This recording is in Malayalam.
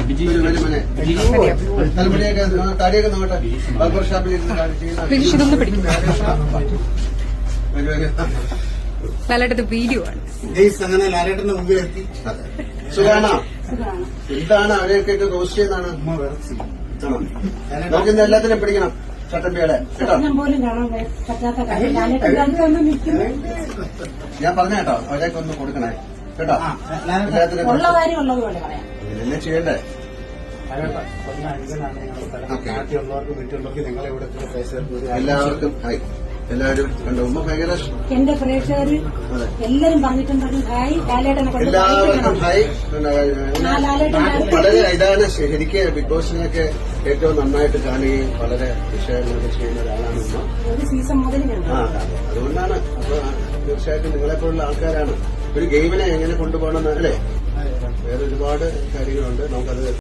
തലമുടിയൊക്കെ താടിയൊക്കെ നോക്കട്ടെ. ബാർബർ ഷാപ്പിൽ ഇതൊന്ന് പിടിക്കും. ലാലേട്ടന്റെ വീഡിയോ ആണ്. അങ്ങനെ ലാലേട്ടന്റെ മുമ്പിൽ എത്തി. സുഖാണോ? എന്താണ് അവരെയൊക്കെ റോസ്റ്റ് ചെയ്യുന്നതാണ്. നമുക്കിന്ന് എല്ലാത്തിനും പിടിക്കണം ചട്ടമ്പികളെ കേട്ടോ. ഞാൻ പറഞ്ഞ കേട്ടോ, അവരെയൊക്കെ ഒന്ന് കൊടുക്കണേ കേട്ടോ. എന്നെ ചെയ്യണ്ടേ. എല്ലാവർക്കും ഹായ്. എല്ലാവരും കണ്ടു. ഉമ്മ ഭയങ്കര എന്റെ പ്രേക്ഷകർ എല്ലാരും പറഞ്ഞിട്ടുണ്ട് ഹായ് ലാലേട്ടനെ കൊണ്ട് എല്ലാവർക്കും ഹായ്. വളരെ ഇതാണ് ശരിക്ക് ബിഗ് ബോസിനെയൊക്കെ ഏറ്റവും നന്നായിട്ട് കാണുകയും വളരെ വിഷയങ്ങളൊക്കെ ചെയ്യുന്ന ഒരാളാണ് ഉമ്മ. ഒരു സീസൺ മുതൽ അതുകൊണ്ടാണ്. അപ്പൊ തീർച്ചയായിട്ടും നിങ്ങളെപ്പോലുള്ള ആൾക്കാരാണ് ഒരു ഗെയിമിനെ എങ്ങനെ കൊണ്ടുപോകണമെന്ന് അല്ലേ. വേറെ ഒരുപാട് കാര്യങ്ങളുണ്ട്. നമുക്കത്